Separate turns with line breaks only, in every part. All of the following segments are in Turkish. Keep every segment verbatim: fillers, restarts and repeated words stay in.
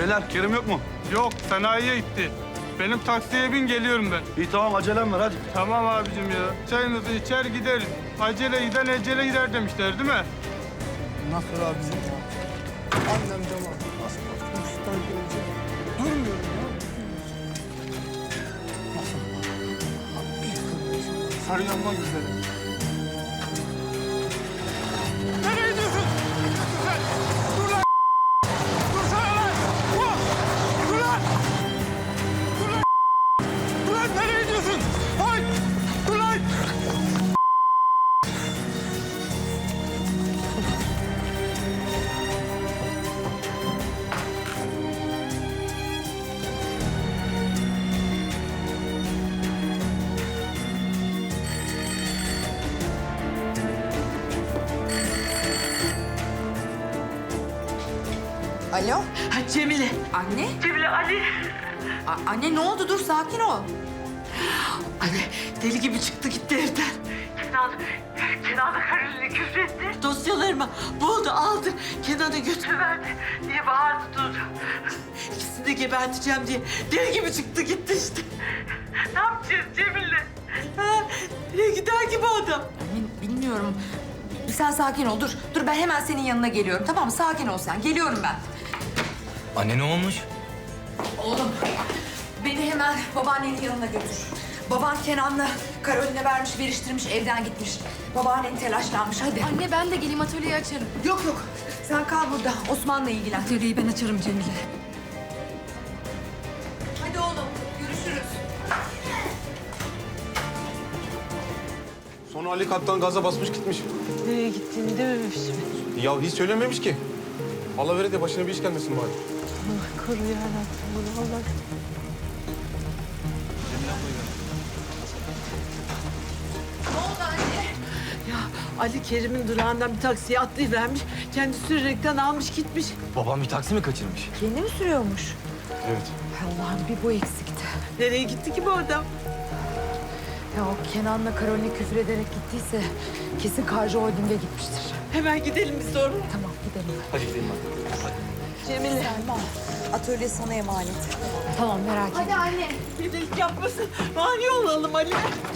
Beyler Kerim yok mu?
Yok, sanayiye gitti. Benim taksiye bin, geliyorum ben.
İyi tamam acelem var hadi.
Tamam abicim ya. Çayımızı içer gideriz. Acele giden ecele gider demişler değil mi?
Nasıl abicim ya? Annem cama. Nasıl kurstan gelecek? Durmuyorum ya. Nasıl? Abi, sarı yanma güzelim. Nereye gidiyorsun? Sen! Dur lan! Dursana lan! Oh! Dur lan! Dur lan! Dur lan! Nereye gidiyorsun? Ay! Dur lan!
Alo?
Ha Cemile.
Anne?
Cemile Ali.
A- anne ne oldu? Dur sakin ol.
Anne deli gibi çıktı gitti evden. Kenan, Kenan'a karıyla küfretti. Dosyalarımı buldu aldı. Kenan'a götürüverdi diye bağırdı durdu. İkisini de geberteceğim diye deli gibi çıktı gitti işte. Ne yapacağız Cemile? Ha, nereye gider gibi adam?
Anne bilmiyorum. Sen sakin ol. Dur. Dur ben hemen senin yanına geliyorum. Tamam mı? Sakin ol sen. Geliyorum ben.
Anne ne olmuş?
Oğlum beni hemen babaannenin yanına götür. Baban Kenan'la Karolin'e vermiş, veriştirmiş, evden gitmiş. Babaannen telaşlanmış. Hadi.
Anne ben de geleyim, atölyeyi açarım.
Yok yok. Sen kal burada. Osman'la ilgilen.
Atölyeyi ben açarım Cemile.
Hadi oğlum. Görüşürüz.
Sonra Ali kattan gaza basmış gitmiş.
Nereye gittiğini dememiş mi?
Ya hiç söylememiş ki. Allah vere de başına bir iş gelmesin bari.
Allah koru yarabbim bunu Allah.
Ne oldu anne?
Ya Ali Kerim'in durağından bir taksiye atlayıvermiş. Kendi sürerekten almış gitmiş.
Babam bir taksi mi kaçırmış?
Kendi mi sürüyormuş?
Evet.
Allah'ım bir bu eksikti.
Nereye gitti ki bu adam?
Ya o Kenan'la Karolin'e küfür ederek gittiyse kesin Karcı Holding'e gitmiştir.
Hemen gidelim biz de oraya.
Tamam gidelim.
Hadi gidelim hadi. Hadi.
Cemile.
Selma, atölye sana emanet. Tamam merak etme.
Hadi anne.
Delik yapmasın. Mani olalım Ali.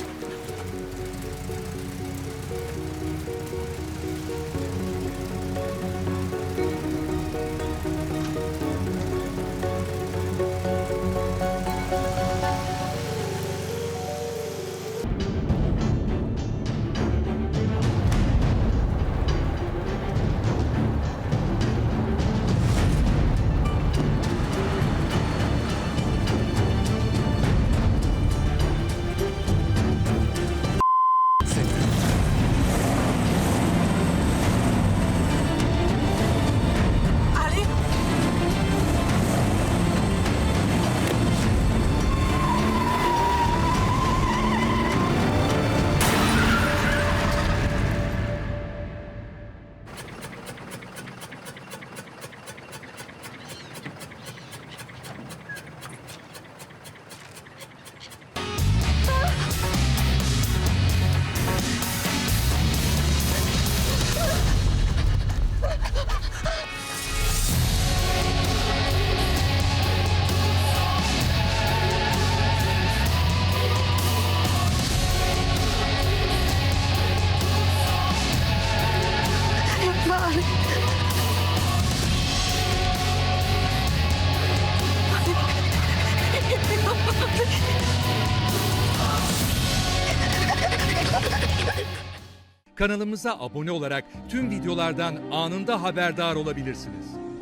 Ali. Yapma Ali.
Kanalımıza abone olarak tüm videolardan anında haberdar olabilirsiniz.